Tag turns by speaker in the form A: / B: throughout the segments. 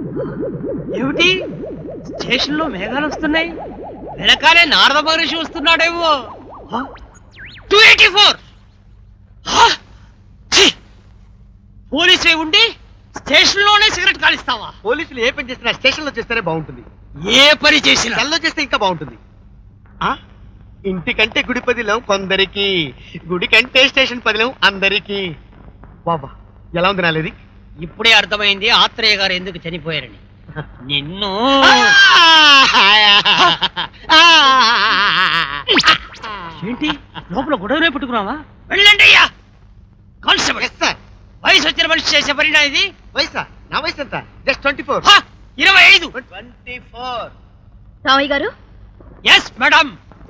A: ఏమిటి స్టేషన్ లో మేఘాలు వస్తున్నాయి, వెనకాలే నారద మహర్షి వస్తున్నాడేమో. 284 పోలీసు ఉండి స్టేషన్ లోనే సిగరెట్ కాలిస్తావా?
B: పోలీసులు ఏ పని చేసినా స్టేషన్ లో చేస్తేనే బాగుంటుంది.
A: ఏ పని చేసినా
B: సెల్లో చేస్తే ఇంకా బాగుంటుంది. ఇంటికంటే గుడి పదిలం కొందరికి, గుడి కంటే స్టేషన్ పదిలం అందరికి. బాబా ఎలా ఉంది నాలేది?
A: ఇప్పుడే అర్థమైంది ఆత్రేయ గారు ఎందుకు చనిపోయారని. నిన్ను ఏంటి లోపల గొడవనే పెట్టుకున్నావా? వెళ్ళండి అయ్యా. కానిస్టేబుల్ వయసు వచ్చిన మనిషి చేసే పరిణా ఇది?
B: వయసా? నా వయసు ఎంత? జస్ట్ 24.
A: 25.
B: 24.
C: రామయ్య గారు.
A: Yes madam.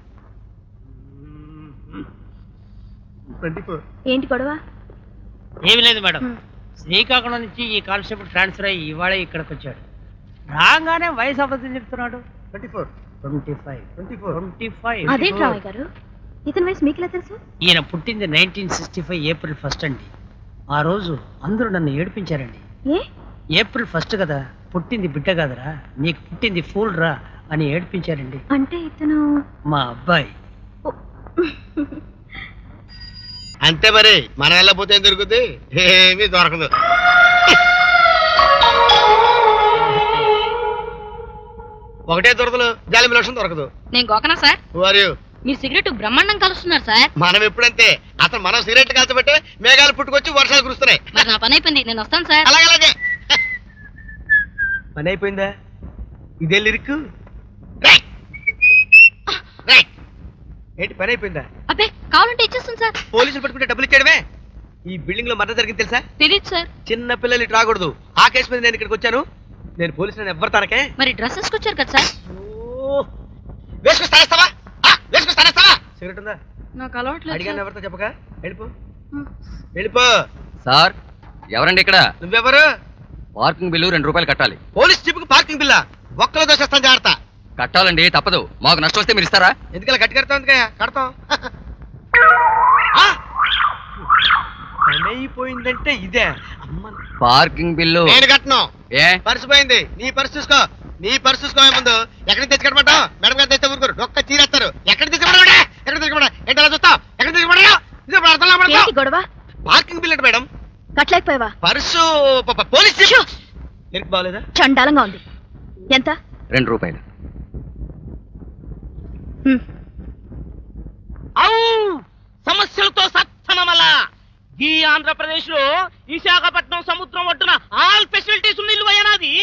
B: 24.
C: ఏంటి గొడవ?
A: ఏమి లేదు మేడం, శ్రీకాకుళం నుంచి ఈ కానిస్టేబుల్ ట్రాన్స్ఫర్ అయ్యి ఇవాళ ఇక్కడికి వచ్చాడు. రాగానే వయసు అబద్ధం చెప్తున్నాడు.
B: 24.
A: 25. 25.
C: అదేంటి రామయ్య గారు, ఇతని వయసు మీకులా తెలుసు?
A: ఈయన పుట్టింది 1965 ఏప్రిల్ 1 అండి. ఆ రోజు అందరూ నన్ను ఏడిపించారండి. ఏప్రిల్ 1 కదా, పుట్టింది బిడ్డ కదరా, నీకు పుట్టింది ఫూల్ రా అని ఏడిపించారండి.
C: అంటే ఇతను
A: మా అబ్బాయి.
B: అంతే మరి, మనం వెళ్ళకపోతే ఏం దొరుకుతుంది? ఏమీ దొరకదు. ఒకటే దొరకదు, జాలి లక్షం దొరకదు.
D: నేను గోకనా సార్? మీరు సిగరెట్ బ్రహ్మాండం కలుస్తున్నారు సార్.
B: మనం ఎప్పుడంతే, అసలు మనం సిగరెట్ కాల్చబట్టే మేఘాలు పుట్టుకొచ్చి వర్షాలు కురుస్తున్నాయి.
D: మరి నా పని అయిపోయింది, నేను వస్తాను సార్.
B: అలాగే పని అయిపోయిందా? ఇదే లిరిక్. ఏంటి పని అయిపోయిందా?
D: అబ్బే కావాలంటే ఇచ్చేస్తాను సార్.
B: పోలీసులు పట్టుకుంటే డబ్బులు ఇచ్చేయడమే. ఈ బిల్డింగ్ లో మర్డర్ జరిగింది తెలుసా?
D: తెలియదు సార్.
B: చిన్న పిల్లలు ఇటు రాకూడదు. ఆ కేసు మీద నేను ఇక్కడికి వచ్చాను. నేను పోలీసులను ఎవ్వరు తనకే.
D: మరి డ్రెస్ వేసుకొచ్చారు కదా సార్.
B: వేసుకొస్తానేస్తావా? సిగరెట్ ఉందా?
D: నాకు అలవాట్లేదు.
B: అడిగాను ఎవరితో చెప్పక. వెళ్ళిపో వెళ్ళిపో.
E: సార్ ఎవరండి ఇక్కడ?
B: నువ్వెవరు?
E: పార్కింగ్ బిల్లు 2 రూపాయలు కట్టాలి.
B: పోలీస్ జీపుకి పార్కింగ్ బిల్లా? ఒక్కలో దోషేస్తాను, జాగ్రత్త.
E: కట్టాలండి, తప్పదు. మాకు నష్టం వస్తే మీరు ఇస్తారా?
B: ఎందుకలా గట్టి కడతాం? కడతాం. పని అయిపోయిందంటే ఇదే.
E: పార్కింగ్ బిల్లు
B: నేను కట్టను.
E: ఏ
B: పర్సు పోయింది, నీ పర్సు చూసుకో. నీ పర్సు చూసుకోవే ముందు. ఎక్కడికి తెచ్చి కట్టమంటావు? మేడం గారు తెస్తే ఊరుకోరు, ఒక్క చీరేస్తారు. ఎక్కడికి తెచ్చుకోమంటా? ఎక్కడ తెచ్చుకోమంటా? ఏంటి అలా చూస్తావు? ఎక్కడ తెచ్చుకోమంటా?
C: గొడవ?
B: పార్కింగ్ బిల్ అంటే మేడం.
C: కట్టలేకపోయావా?
B: Purse police jeep. లిరిక్ బాగాలేదా?
C: చండాలంగా ఉంది. ఎంత?
E: 2 రూపాయలు.
A: సమస్యలతో సత్సనమల ఈ ఆంధ్రప్రదేశ్ లో విశాఖపట్నం సముద్రం ఒడ్డున ఆల్ ఫెసిలిటీస్ ఉన్న ఇల్లు అయ్యానాది.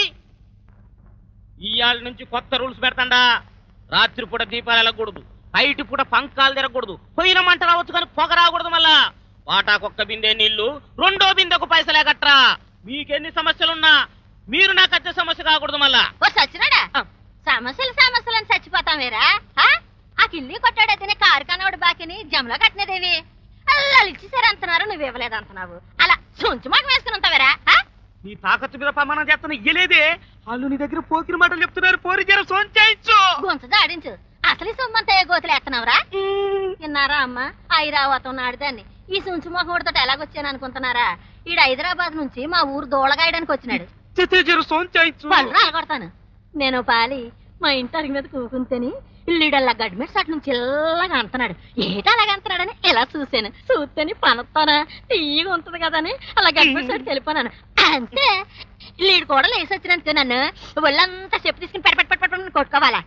A: ఇవాళ నుంచి కొత్త రూల్స్ పెడతాండా. రాత్రిపూట దీపాలు వెళ్ళకూడదు, బయట పూట పంకాలు తిరగకూడదు, పొయ్యిన మంట రావచ్చు కానీ పొగ రాకూడదు. మళ్ళా వాటాకొక్క బిందె నీళ్లు, 2వ బిందెకు పైసలే కట్టరా. మీకెన్ని సమస్యలున్నా మీరు నాకు వచ్చే సమస్య కాకూడదు. మళ్ళా
D: సచ్చినాడా సమస్యలు అని చచ్చిపోతాం వేరా? ఆ కిల్లి కొట్టాడైతేనే కారు కనవాడు బాకిని జమలో కట్టినదేవి. అలా ఇచ్చేసారు అంటున్నారు, నువ్వు ఇవ్వలేదు అంటున్నావు. అలా సొంచు మాకు వేసుకుని ఉంటావేరా?
A: నీ తాకత్తు మీద ప్రమాణం చేస్తున్నా ఇయ్యలేదే. వాళ్ళు నీ దగ్గర పోకిన మాటలు చెప్తున్నారు. పోరి జర సోంచాయించు,
D: గొంతు దాడించు. అసలు ఈ సొమ్మంతా ఏ గోతులు ఎత్తనవరా? విన్నారా అమ్మ? ఐరావతం నాడుదాన్ని ఈ సుంచు మొహముడితో ఎలాగొచ్చాను అనుకుంటున్నారా? ఈడు హైదరాబాద్ నుంచి మా ఊరు దోళగాయడానికి వచ్చినాడు. పళ్ళు రాలగొడతాను. నేను పాలి మా ఇంటి అరిగి మీద కూకుంటేని ఇల్లుడల్లా గడ్మెట్స్ అటు నుంచి ఇల్లగా అంటున్నాడు. ఏటా అలాగ అంటున్నాడని ఇలా చూశాను. చూస్తేని పనొత్తానా తీయగా ఉంటుంది కదా అని అలా గడ్మెట్స్ అటుకి వెళ్ళిపోనాను. అంతే లీడు కూడా లేసి వచ్చినందుకు నన్ను ఒళ్ళంతా చెప్పు తీసుకుని పెట్టి కొట్టుకోవాలా?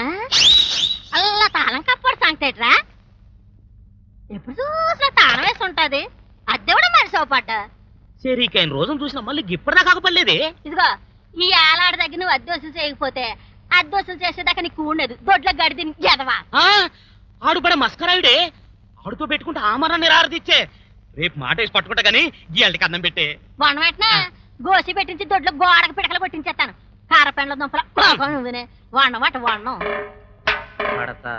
D: అలా తాళం కప్పడు సంగతేట్రా? ఎప్పుడు చూసినా తాళం వేసి ఉంటది. అద్దె కూడా మరి సోపడ్డ
A: సరికైన రోజును చూసినా మళ్ళీ ఇప్పటిదా కాకపోలేదు.
D: ఇదిగో ఈ ఏలాడి దగ్గర నువ్వు అద్దె వసూలు చేయకపోతే అద్దె వసూలు చేసేదాకా నీకు ఉండదు. దొడ్ల గడిది ఎదవా.
A: ఆడు పడే మస్కరాయుడే. ఆడుతో పెట్టుకుంటే ఆమరాన్ని రారదిచ్చే. రేపు మాట వేసి పట్టుకుంటా గానీ గీళ్ళకి అన్నం పెట్టే.
D: వనం వెంటనే గోసి పెట్టించి దొడ్లో గోడకు పిడకలు కొట్టించేస్తాను. కారపెండ్ల దుంపల నువ్వునే వండమాట వండం.
A: పడతా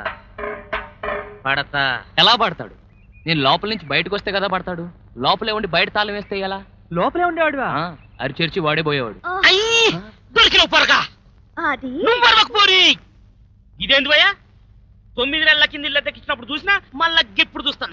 A: పడతా.
E: ఎలా పడతాడు? నేను లోపల నుంచి బయటకు వస్తే కదా పడతాడు. లోపలే ఉండి బయట తాళం వేస్తే ఎలా?
A: లోపలే ఉండేవాడు.
E: అరి చేర్చి వాడే పోయేవాడు.
A: దొరికిన పొరగా
C: అది
A: పోరి. ఇదేంది భయ్యా? 9 నెలల కింద ఇల్లు దక్కించినప్పుడు చూసినా మళ్ళా ఇప్పుడు చూస్తున్నా.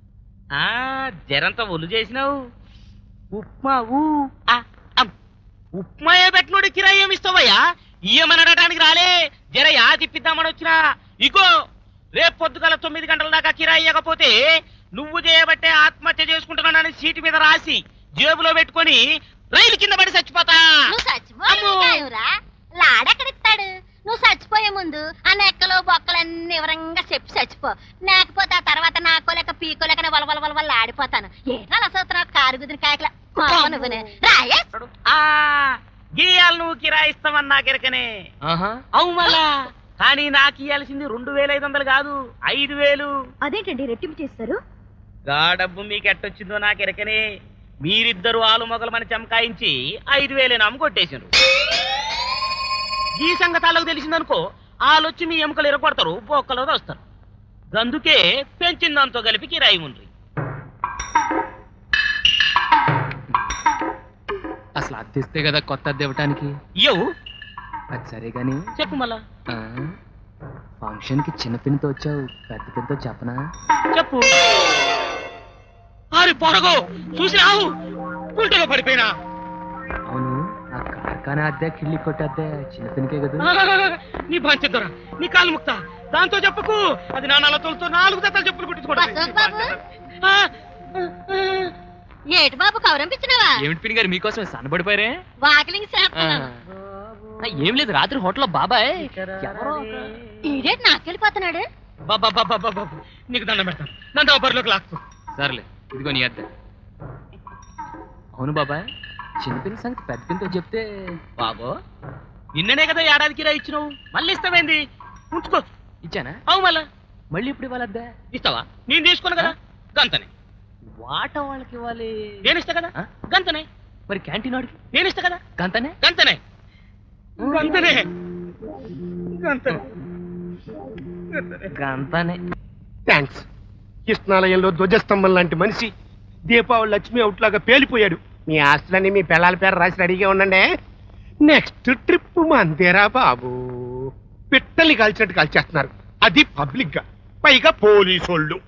A: జరంతా ఒళ్ళు చేసినావు. ఉప్మా ఉప్మాయే పెట్టినోడు కిరాయి ఏమి ఇస్తావయ్యా? ఇయ్యమనడానికి రాలే, జర యా తిప్పిద్దామని వచ్చినా. ఇగో రేపు పొద్దుగల 9 గంటల దాకా కిరాయి ఇవ్వకపోతే నువ్వు చేయబట్టే ఆత్మహత్య చేసుకుంటున్నానని సీటు మీద రాసి జేబులో పెట్టుకొని రైలు కింద పడి చచ్చిపోతా.
D: నువ్వు చచ్చిపోయావురా, లాడెక్కడిస్తాడు? నువ్వు చచ్చిపోయే ముందు ఆ నెక్కలు బొక్కలన్నీ వివరంగా చెప్పి చచ్చిపో, లేకపోతే ఆ తర్వాత నాకోలేక పీకోలేక వలవల ఆడిపోతాను. ఏదో అసలు కారు గుదిరి కాయకల నువ్వునే రాయే.
A: ఆ గీయాలు నువ్వు కిరాయి ఇస్తామని నాకెరకనే. అవు మళ్ళా, కానీ నాకు ఇయ్యాల్సింది 2500 కాదు 5000.
C: అదేంటండి రెట్టింపు చేస్తారు?
A: గా డబ్బు మీకు ఎట్టొచ్చిందో నాకెరకనే. మీరిద్దరు ఆలు మొగలమని చమకాయించి 5000 నమ్ము కొట్టేసిండ్రు. ఈ సంగతాలకు తెలిసిందనుకో, ఆలొచ్చి మీ ఎముకలు ఎరగొడతారు, బొక్కలో వస్తారు. అందుకే పెంచిన దాంతో కలిపి కిరాయి ఉండ్రి.
E: అసలు అద్దెస్తే కదా కొత్త అద్దె ఇవ్వటానికి.
A: ఇయ్యవు
E: అది సరే గాని
A: చెప్పు మళ్ళా.
E: ఫంక్షన్ కి చిన్న పిన్నితో వచ్చావు, పెద్ద పిన్నితో చెప్పనా?
A: చెప్పు. అరే పొరగో చూసి రావు, గుంటలో పడిపోయినా.
E: అవును, ఆ కార్ఖానా అద్దె కిళ్ళి కొట్టే అద్దె చిన్న పిన్నికే కదా.
A: నీ పంచదొరా, నీ కాలు ముక్తా, దాంతో చెప్పకు. అది నా నలతోలతో 4 జతలు చెప్పులు
D: అశోక్ బాబు.
A: కుట్టించుకోవడం.
D: ఏటి బాబు కౌరంపించినావా?
E: ఏమిటి పిన్ని గారు మీకోసమే సన్నబడిపోయారే?
D: వాకిలింగ్ చేస్తున్నాను.
E: ఏం లేదు, రాత్రి హోటల్లో బాబాయ్ ఎవరో
D: ఈడేటి నాకెళ్ళిపోతున్నాడు.
A: బాబా నీకు దండం పెడతాను, నన్ను బరిలోకి లాక్కు.
E: సర్లే, ఇదిగో నీ అద్దె. అవును బాబాయ్, చిన్న పిన్ని సంగతి పెద్ద పిన్నితో చెప్తే.
A: బాబో నిన్ననే కదా ఏడాదికి రా ఇచ్చినావు, మళ్ళీ ఇస్తావేంది? ఉంచుకో.
E: ఇచ్చానా?
A: అవు మళ్ళా
E: మళ్ళీ ఇప్పుడు ఇవ్వాలి అద్దె?
A: ఇస్తావా? నేను తీసుకున్నా కదా, గంతనే.
E: వాట వాళ్ళకి ఇవ్వాలి.
A: నేను ఇస్తా కదా, గంతనే.
E: మరి క్యాంటీన్ వాడికి
A: నేను ఇస్తా కదా,
E: గంతనే.
A: గంతనే గంతనే గంతనే
E: గంతనే.
B: థ్యాంక్స్. కృష్ణాలయంలో ధ్వజస్తంభం లాంటి మనిషి దీపావళి లక్ష్మి అవుట్ లాగా పేలిపోయాడు. మీ ఆస్తులన్నీ మీ పిల్లల పేరు రాసి రెడీగా ఉండండి. నెక్స్ట్ ట్రిప్ మందేరా బాబు. పిట్టల్ని కాల్చినట్టు కాల్చేస్తున్నారు, అది పబ్లిక్ గా, పైగా పోలీసోళ్ళు.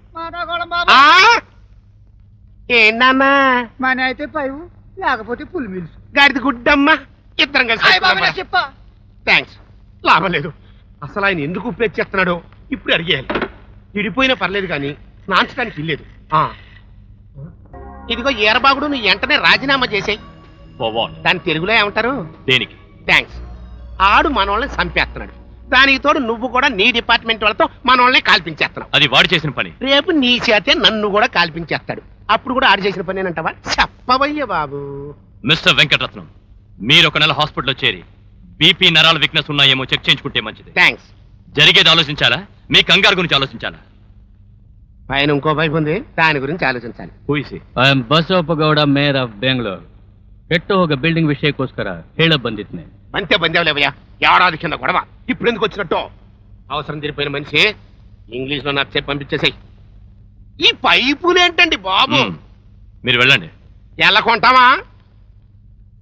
B: ఏంటన్నా
F: మన అయితే పైవు లేకపోతే పులి మిల్స్.
B: గాడిది గుడ్డమ్మా, ఇద్దరం కలిసి
F: చెప్పా.
B: థ్యాంక్స్. లాభం లేదు. అసలు ఆయన ఎందుకు ఉపయోగించేస్తున్నాడో ఇప్పుడు అడిగేయాలి. విడిపోయినా పర్లేదు కానీ నాంచడానికి ఇల్లేదు. ఇదిగో ఈరబాగుడు, నువ్వు వెంటనే రాజీనామా చేసేయి. దాని తెలుగులో ఏమంటారు?
G: దేనికి?
B: థ్యాంక్స్. ఆడు మనోళ్ళని చంపేస్తున్నాడు, దానికి తోడు నువ్వు కూడా నీ డిపార్ట్మెంట్ వాళ్ళతో మనోళ్ళని కాల్పించేస్తున్నావు.
G: అది వాడు చేసిన పని.
B: రేపు నీ చేతే నన్ను కూడా కాల్పించేస్తాడు, అప్పుడు కూడా ఆడు చేసిన పని అంటావా? చెప్పవయ్య బాబు.
G: మిస్టర్ వెంకటరత్నం, మీరు ఒక నెల హాస్పిటల్లో చేరి బీపీ నరాల వీక్నెస్ ఉన్నాయేమో చెక్ చేయించుకుంటే మంచిది.
B: థ్యాంక్స్.
G: జరిగేది ఆలోచించాలా, మీ కంగారు గురించి ఆలోచించాలా?
B: పైన ఇంకో వైపు ఉంది, దాని గురించి ಆಲೋಚಿಸಲಿ.
G: ಊಹಿಸಿ.
H: I am Basavappagowda mayor of Bengaluru. ಕೆಟ್ಟು ಹೋಗ ಬಿಲ್ಡಿಂಗ್ ವಿಷಯಕ್ಕೋಸ್ಕರ ಹೇಳ ಬಂದಿದ್ನೆ.
B: అంతే బందేవులేవయ్యా, ఏడాది కింద గొడవ, ఇప్పుడు ఎందుకు వచ్చినట్టు? అవసరం తీరిపోయిన మనిషి ఇంగ్లీష్ లో నాకు చెప్పి పంపించేసాయి. ఈ పైపులేంటండి బాబు?
G: మీరు వెళ్ళండి.
B: ఎలా కొంటావా?